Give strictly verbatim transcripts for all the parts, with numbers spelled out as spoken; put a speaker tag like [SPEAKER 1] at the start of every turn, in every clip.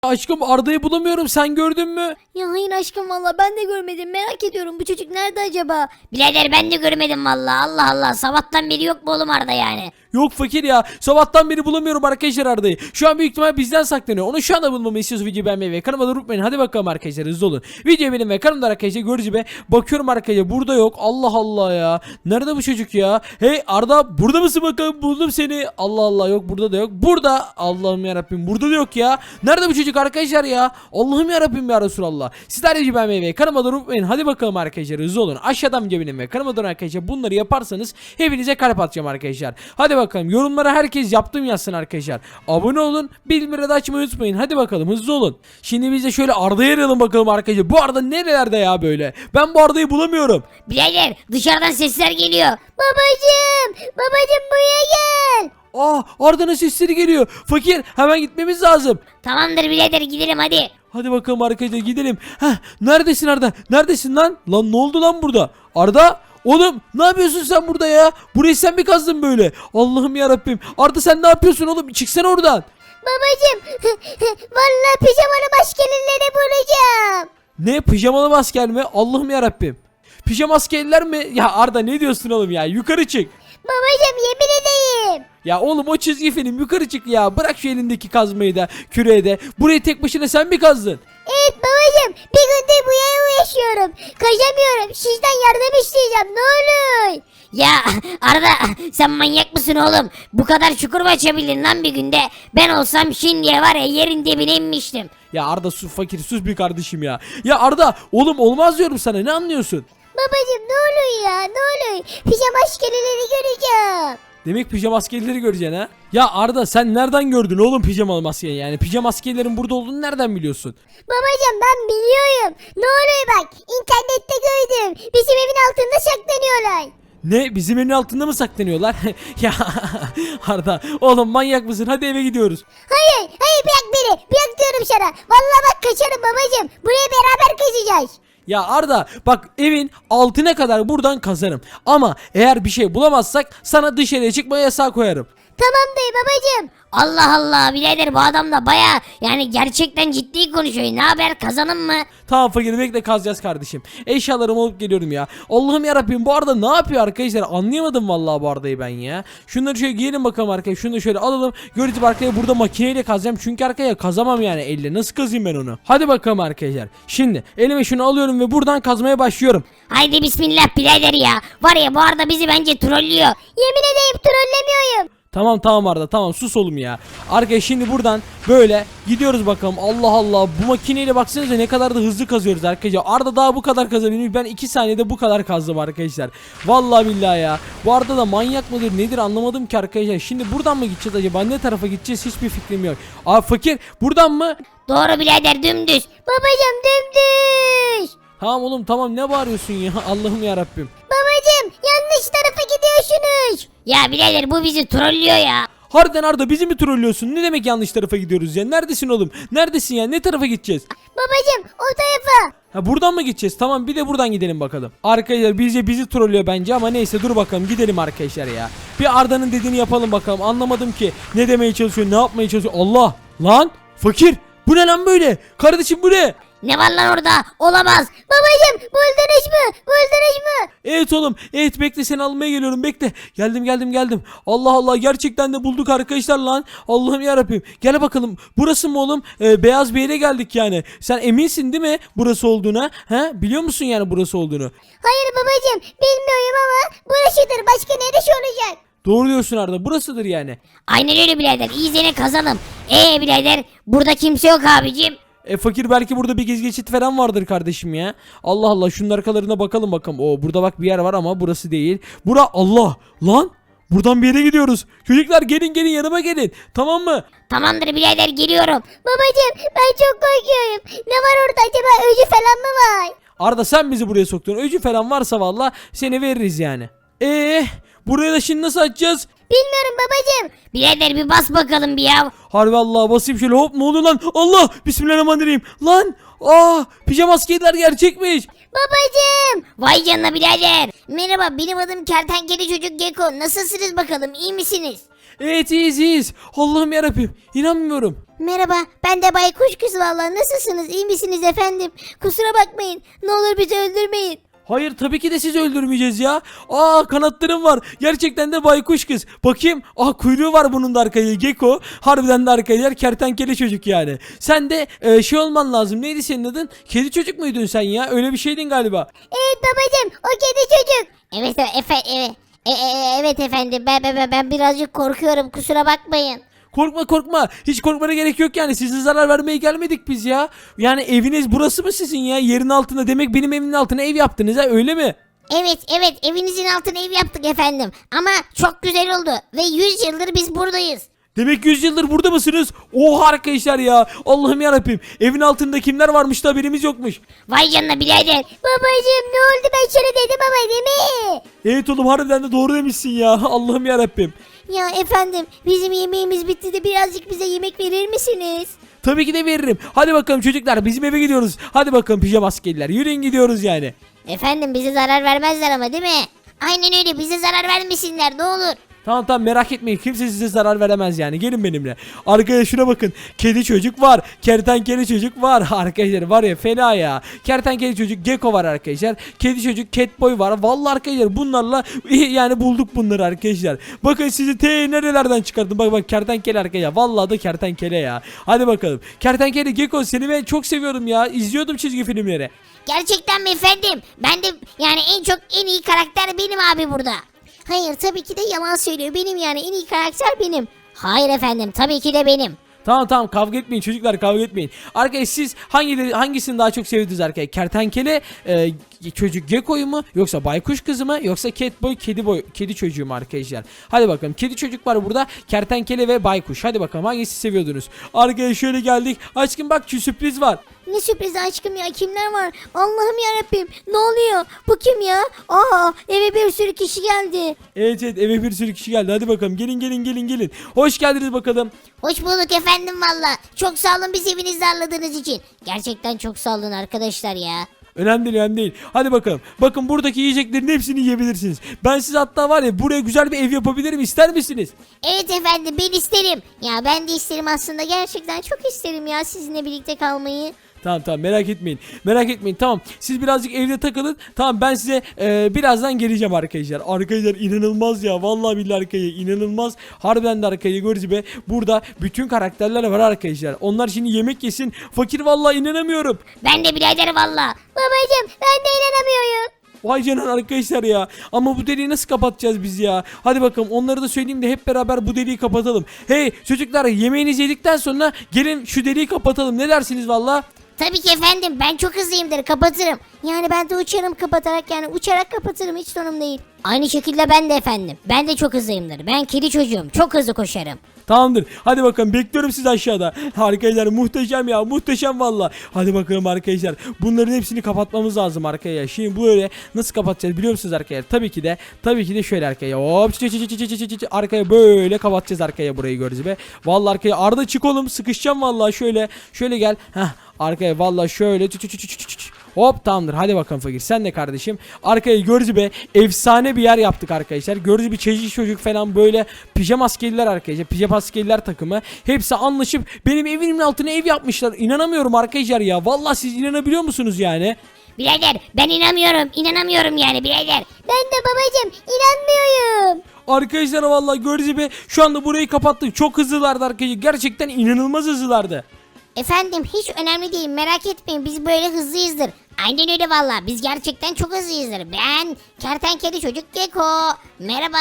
[SPEAKER 1] Aşkım Arda'yı bulamıyorum, sen gördün mü?
[SPEAKER 2] Ya hayır aşkım valla ben de görmedim, merak ediyorum bu çocuk nerede acaba?
[SPEAKER 3] Birader ben de görmedim valla. Allah Allah, sabahtan beri yok mu oğlum Arda yani?
[SPEAKER 1] Yok fakir ya, sabahtan beri bulamıyorum arkadaşlar Arda'yı. Şu an büyük ihtimal bizden saklanıyor. Onu şu anda bulmamı istiyorsa videoyu beğenmeyi ve kanalıma da unutmayın. Hadi bakalım arkadaşlar, hızlı olun. Videoyu benim ve kanalımda arkadaşlar görücü be. Bakıyorum arkadaşlar, burada yok. Allah Allah ya. Nerede bu çocuk ya? Hey Arda, burada mısın bakalım, buldum seni. Allah Allah, yok burada da yok. Burada, Allah'ım yarabbim, burada da yok ya. Nerede bu çocuk arkadaşlar ya? Allah'ım yarabbim ya Resulallah. Sizler de videoyu beğenmeyi ve kanalıma da unutmayın. Hadi bakalım arkadaşlar, hızlı olun. Aşağıdan videoyu benim ve kanalıma da arkadaşlar bunları yaparsanız hepinize kalp atacağım arkadaşlar. Hadi bakalım, yorumlara herkes yaptım yazsın arkadaşlar. Abone olun, bildirimleri de açmayı unutmayın. Hadi bakalım, hızlı olun. Şimdi biz de şöyle Arda'yı arayalım bakalım arkadaşlar. Bu Arda nerelerde ya böyle? Ben bu Arda'yı bulamıyorum.
[SPEAKER 3] Birader dışarıdan sesler geliyor.
[SPEAKER 2] Babacım, babacım buraya gel.
[SPEAKER 1] Aa, Arda'nın sesleri geliyor. Fakir, hemen gitmemiz lazım.
[SPEAKER 3] Tamamdır birader, gidelim hadi.
[SPEAKER 1] Hadi bakalım arkadaşlar, gidelim. Heh, neredesin Arda? Neredesin lan? Lan ne oldu lan burada? Arda? Oğlum ne yapıyorsun sen burada ya? Burayı sen mi kazdın böyle? Allah'ım ya Rabbim. Arda sen ne yapıyorsun oğlum? Çıksana oradan.
[SPEAKER 2] Babacım, valla pijamalı maskeleri bulacağım.
[SPEAKER 1] Ne, pijamalı asker mi? Allah'ım ya Rabbim. Pijama askerler mi? Ya Arda ne diyorsun oğlum ya? Yukarı çık.
[SPEAKER 2] Babacım yemin edeyim.
[SPEAKER 1] Ya oğlum o çizgi film, yukarı çık ya. Bırak şu elindeki kazmayı da, küreği de. Burayı tek başına sen mi kazdın?
[SPEAKER 2] Evet babacım, bir gündür bu yere uğraşıyorum. Kaçamıyorum, sizden yardım isteyeceğim, ne olur.
[SPEAKER 3] Ya Arda, sen manyak mısın oğlum? Bu kadar çukur mu açabildin lan bir günde? Ben olsam şimdiye var ya yerin dibine inmiştim.
[SPEAKER 1] Ya Arda sus fakir, sus bir kardeşim ya. Ya Arda oğlum olmaz diyorum sana, ne anlıyorsun?
[SPEAKER 2] Babacım ne olur ya, ne olur. Pijama maskeleri göreceğim.
[SPEAKER 1] Demek pijama askerleri göreceksin ha? Ya Arda sen nereden gördün oğlum pijama maskeyi yani? Pijama askerlerin burada olduğunu nereden biliyorsun?
[SPEAKER 2] Babacım ben biliyorum. Ne oluyor bak, internette gördüm. Bizim evin altında saklanıyorlar.
[SPEAKER 1] Ne, bizim evin altında mı saklanıyorlar? Ya Arda oğlum manyak mısın? Hadi eve gidiyoruz.
[SPEAKER 2] Hayır, hayır bırak beni. Bırak diyorum sana. Vallahi bak kaçarım babacım. Buraya beraber kaçacağız.
[SPEAKER 1] Ya Arda bak, evin altına kadar buradan kazarım. Ama eğer bir şey bulamazsak sana dışarıya çıkma yasağı koyarım.
[SPEAKER 2] Tamam dayı babacım.
[SPEAKER 3] Allah Allah birader, bu adam da baya yani gerçekten ciddi konuşuyor. Ne haber, kazanım mı?
[SPEAKER 1] Tamam fakir, bekle kazacağız kardeşim. Eşyalarımı alıp geliyorum ya. Allah'ım yarabbim, bu arada ne yapıyor arkadaşlar? Anlayamadım vallahi bu Arda'yı ben ya. Şunları şöyle giyelim bakalım arkadaşlar. Şunu da şöyle alalım. Gördüğünüz arkaya burada makineyle kazacağım. Çünkü arkaya kazamam yani elle. Nasıl kazayım ben onu? Hadi bakalım arkadaşlar. Şimdi elime şunu alıyorum ve buradan kazmaya başlıyorum.
[SPEAKER 3] Haydi bismillah birader ya. Var ya bu Arda bizi bence trollüyor.
[SPEAKER 2] Yemin edeyim trollemiyorum.
[SPEAKER 1] Tamam tamam Arda, tamam sus oğlum ya. Arkadaşlar şimdi buradan böyle gidiyoruz bakalım. Allah Allah, bu makineyle baksanıza ne kadar da hızlı kazıyoruz arkadaşlar. Arda daha bu kadar kazabilmiş, ben iki saniyede bu kadar kazdım arkadaşlar. Vallahi billahi ya. Bu Arda da manyak mıdır nedir anlamadım ki arkadaşlar. Şimdi buradan mı gideceğiz acaba, ne tarafa gideceğiz hiçbir fikrim yok. Aa fakir, buradan mı?
[SPEAKER 3] Doğru birader, dümdüz.
[SPEAKER 2] Babacım dümdüz.
[SPEAKER 1] Tamam oğlum tamam, ne bağırıyorsun ya, Allah'ım yarabbim.
[SPEAKER 2] Babacım yanlış tarafa gidiyorsunuz.
[SPEAKER 3] Ya birader bu bizi trollüyor ya.
[SPEAKER 1] Harbiden Arda, bizi mi trollüyorsun? Ne demek yanlış tarafa gidiyoruz ya? Neredesin oğlum? Neredesin ya? Ne tarafa gideceğiz?
[SPEAKER 2] Babacım o tarafa.
[SPEAKER 1] Ha buradan mı gideceğiz? Tamam, bir de buradan gidelim bakalım. Arkadaşlar bizce bizi trollüyor bence ama neyse, dur bakalım gidelim arkadaşlar ya. Bir Arda'nın dediğini yapalım bakalım. Anlamadım ki ne demeye çalışıyor, ne yapmaya çalışıyor. Allah lan fakir, bu ne lan böyle? Kardeşim bu ne?
[SPEAKER 3] Ne var lan orada? Olamaz.
[SPEAKER 2] Babacım buldunuz mu? Buldunuz mu?
[SPEAKER 1] Evet oğlum, evet bekle, seni almaya geliyorum, bekle. Geldim geldim geldim. Allah Allah, gerçekten de bulduk arkadaşlar lan. Allah'ım yarabbim. Gel bakalım, burası mı oğlum? Ee, beyaz bir yere geldik yani. Sen eminsin değil mi burası olduğuna? He? Biliyor musun yani burası olduğunu?
[SPEAKER 2] Hayır babacım bilmiyorum ama burasıdır. Başka neresi olacak?
[SPEAKER 1] Doğru diyorsun Arda, burasıdır yani.
[SPEAKER 3] Aynen öyle birader. İyizene kazanım. Eee birader, burada kimse yok abicim.
[SPEAKER 1] E fakir, belki burada bir gez geçit falan vardır kardeşim ya. Allah Allah, şunun arkalarına bakalım bakalım. Oo, burada bak bir yer var ama burası değil. Bura, Allah lan. Buradan bir yere gidiyoruz. Çocuklar gelin gelin, yanıma gelin. Tamam mı?
[SPEAKER 3] Tamamdır birader, geliyorum.
[SPEAKER 2] Babacım ben çok korkuyorum. Ne var orada acaba, öcü falan mı var?
[SPEAKER 1] Arda sen bizi buraya soktun. Öcü falan varsa valla seni veririz yani. Eee buraya da şimdi nasıl açacağız?
[SPEAKER 2] Bilmiyorum babacım.
[SPEAKER 3] Birader bir bas bakalım bir ya.
[SPEAKER 1] Harbi Allah, basayım şöyle, hop, ne oluyor lan? Allah, bismillahirrahmanirrahim. Lan, aa, pijama askerler gerçekmiş.
[SPEAKER 2] Babacım.
[SPEAKER 3] Vay canına birader. Merhaba, benim adım Kertenkele Çocuk Gecko. Nasılsınız bakalım, iyi misiniz?
[SPEAKER 1] Evet iyiyiz iyiyiz. Allah'ım yarabbim, inanmıyorum.
[SPEAKER 2] Merhaba, ben de Baykuş Kız valla. Nasılsınız? İyi misiniz efendim? Kusura bakmayın. Ne olur bizi öldürmeyin.
[SPEAKER 1] Hayır tabii ki de sizi öldürmeyeceğiz ya. Aa kanatlarım var. Gerçekten de baykuş kız. Bakayım. Aa kuyruğu var bunun da arkaya. Gecko. Harbiden de arkaya kertenkele çocuk yani. Sen de e, şey olman lazım. Neydi senin adın? Kedi çocuk muydun sen ya? Öyle bir şeydin galiba.
[SPEAKER 2] Evet babacım, o kedi çocuk.
[SPEAKER 3] Evet evet efe, evet. E, e, evet efendim ben, ben, ben birazcık korkuyorum kusura bakmayın.
[SPEAKER 1] Korkma korkma. Hiç korkmana gerek yok yani. Size zarar vermeye gelmedik biz ya. Yani eviniz burası mı sizin ya? Yerin altında. Demek benim evimin altına ev yaptınız ha öyle mi?
[SPEAKER 3] Evet evet evinizin altına ev yaptık efendim. Ama çok güzel oldu ve yüz yıldır biz buradayız.
[SPEAKER 1] Demek yüz yıldır burada mısınız? Oha arkadaşlar ya. Allah'ım yarabbim. Evin altında kimler varmış da haberimiz yokmuş.
[SPEAKER 3] Vay canına birader.
[SPEAKER 2] Babacım ne oldu, ben şöyle dedim ama değil mi?
[SPEAKER 1] Evet oğlum harbiden de doğru demişsin ya. Allah'ım yarabbim.
[SPEAKER 2] Ya efendim, bizim yemeğimiz bitti de birazcık bize yemek verir misiniz?
[SPEAKER 1] Tabii ki de veririm. Hadi bakalım çocuklar bizim eve gidiyoruz. Hadi bakalım pijama askerler. Yürüyün gidiyoruz yani.
[SPEAKER 3] Efendim bize zarar vermezler ama değil mi? Aynen öyle bize zarar vermesinler ne olur.
[SPEAKER 1] Tamam tamam merak etmeyin. Kimse size zarar veremez yani. Gelin benimle. Arkaya şuna bakın. Kedi çocuk var. Kertenkele çocuk var. Arkadaşlar var ya fena ya. Kertenkele çocuk Gecko var arkadaşlar. Kedi çocuk Catboy var. Vallahi arkadaşlar bunlarla yani bulduk bunları arkadaşlar. Bakın sizi te nerelerden çıkardım. Bak bak kertenkele arkadaşlar. Vallahi da kertenkele ya. Hadi bakalım. Kertenkele Gecko seni ben çok seviyorum ya. İzliyordum çizgi filmleri.
[SPEAKER 3] Gerçekten mi efendim? Ben de yani en çok en iyi karakter benim abi burada.
[SPEAKER 2] Hayır, tabii ki de yalan söylüyor. Benim yani en iyi karakter benim.
[SPEAKER 3] Hayır efendim tabii ki de benim.
[SPEAKER 1] Tamam tamam kavga etmeyin çocuklar kavga etmeyin. Arkadaşlar siz hangi hangisini daha çok sevdiniz arkadaşlar? Kertenkele e, çocuk Gecko'yu mu yoksa baykuş kızı mı yoksa Catboy kedi boy kedi çocuğu mu arkadaşlar? Hadi bakalım kedi çocuk var burada, kertenkele ve baykuş. Hadi bakalım hangisi seviyordunuz? Arkadaşlar şöyle geldik. Aşkım bak şu sürpriz var.
[SPEAKER 2] Ne sürpriz aşkım ya, kimler var? Allah'ım yarabbim, ne oluyor? Bu kim ya? Aa, eve bir sürü kişi geldi.
[SPEAKER 1] Evet evet eve bir sürü kişi geldi. Hadi bakalım gelin gelin gelin gelin. Hoş geldiniz bakalım.
[SPEAKER 3] Hoş bulduk efendim valla. Çok sağ olun bizi evinizde ağırladığınız için. Gerçekten çok sağ olun arkadaşlar ya.
[SPEAKER 1] Önemli değil önemli değil. Hadi bakalım. Bakın buradaki yiyeceklerin hepsini yiyebilirsiniz. Ben size hatta var ya buraya güzel bir ev yapabilirim, ister misiniz?
[SPEAKER 3] Evet efendim ben isterim.
[SPEAKER 2] Ya ben de isterim aslında, gerçekten çok isterim ya sizinle birlikte kalmayı.
[SPEAKER 1] Tamam tamam merak etmeyin. Merak etmeyin tamam. Siz birazcık evde takılın. Tamam ben size e, birazdan geleceğim arkadaşlar. Arkadaşlar inanılmaz ya. Vallahi billahi arkadaşlar inanılmaz. Harbiden de arkadaşlar görüyoruz be. Burada bütün karakterler var arkadaşlar. Onlar şimdi yemek yesin. Fakir vallahi inanamıyorum.
[SPEAKER 3] Ben de birader valla.
[SPEAKER 2] Babacım ben de inanamıyorum.
[SPEAKER 1] Vay canına arkadaşlar ya. Ama bu deliği nasıl kapatacağız biz ya? Hadi bakalım onları da söyleyeyim de hep beraber bu deliği kapatalım. Hey çocuklar yemeğinizi yedikten sonra gelin şu deliği kapatalım. Ne dersiniz valla?
[SPEAKER 3] Tabii ki efendim ben çok hızlıyımdır kapatırım.
[SPEAKER 2] Yani ben de uçarım kapatarak, yani uçarak kapatırım, hiç sorun değil.
[SPEAKER 3] Aynı şekilde ben de efendim. Ben de çok hızlıyımdır. Ben kedi çocuğum. Çok hızlı koşarım.
[SPEAKER 1] Tamamdır. Hadi bakalım bekliyorum sizi aşağıda. Arkadaşlar muhteşem ya muhteşem valla. Hadi bakalım arkadaşlar. Bunların hepsini kapatmamız lazım arkadaşlar. Şimdi böyle nasıl kapatacağız biliyor musunuz arkadaşlar? Tabii ki de tabii ki de şöyle arkaya. Hop çı çı çı çı çı çı çı çı. Arkaya böyle kapatacağız arkaya burayı görürüz be. Valla arkaya Arda çık oğlum sıkışacağım valla şöyle. Şöyle gel. Heh. Arkaya valla şöyle çı çı çı çı çı çı. Hop tamamdır hadi bakalım fakir sen de kardeşim. Arkaya gördüğünüz be efsane bir yer yaptık arkadaşlar. Gördüğünüz bir çeşit çocuk falan böyle pijama askeriler arkadaşlar. Pijama askeriler takımı. Hepsi anlaşıp benim evimin altına ev yapmışlar. İnanamıyorum arkadaşlar ya. Valla siz inanabiliyor musunuz yani?
[SPEAKER 3] Birader ben inanmıyorum. İnanamıyorum yani birader.
[SPEAKER 2] Ben de babacım inanmıyorum.
[SPEAKER 1] Arkadaşlar valla gördüğünüz gibi şu anda burayı kapattık. Çok hızlılardı arkadaşlar. Gerçekten inanılmaz hızlılardı.
[SPEAKER 3] Efendim hiç önemli değil merak etmeyin biz böyle hızlıyızdır. Aynen öyle valla biz gerçekten çok hızlıyızdır. Ben kertenkele çocuk Gecko. Merhaba.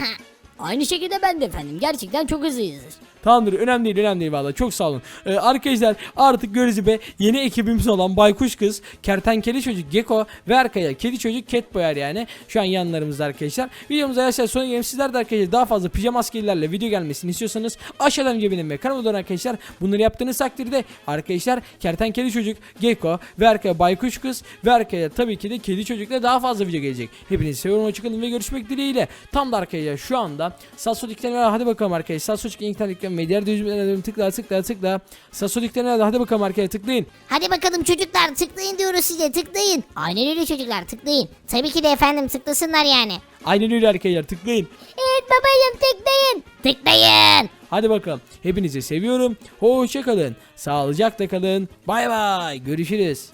[SPEAKER 4] Aynı şekilde ben de efendim. Gerçekten çok hızlıyızdır.
[SPEAKER 1] Tamamdır önemli değil önemli değil valla çok sağ olun. Ee, arkadaşlar artık görüyoruz be yeni ekibimiz olan Baykuş Kız, Kertenkele Çocuk Gecko ve arkaya Kedi Çocuk Catboy yani şu an yanlarımızda arkadaşlar. Videomuza arkadaşlar sonra gelelim. Sizler de arkadaşlar daha fazla pijama askerilerle video gelmesini istiyorsanız aşağıdan video benim ve kanalıma dönün arkadaşlar. Bunları yaptığınız takdirde arkadaşlar Kertenkele Çocuk Gecko ve arkaya Baykuş Kız ve arkaya tabii ki de Kedi Çocuk'la daha fazla video gelecek. Hepinizi seviyorum hoşçakalın ve görüşmek dileğiyle. Tam da arkadaşlar şu anda sağ sol iklerini hadi bakalım arkadaşlar sağ sol iklerini beğenmeyi, diğer düzümlerine tıkla tıkla tıkla. Sasolik'te nerede? Hadi bakalım arkadaşlar tıklayın.
[SPEAKER 3] Hadi bakalım çocuklar tıklayın diyoruz size tıklayın. Aynen öyle çocuklar tıklayın. Tabii ki de efendim tıklasınlar yani.
[SPEAKER 1] Aynen öyle arkadaşlar tıklayın.
[SPEAKER 2] Evet babacım tıklayın.
[SPEAKER 3] Tıklayın.
[SPEAKER 1] Hadi bakalım. Hepinizi seviyorum. Hoşça kalın. Sağlıcakla kalın. Bay bay. Görüşürüz.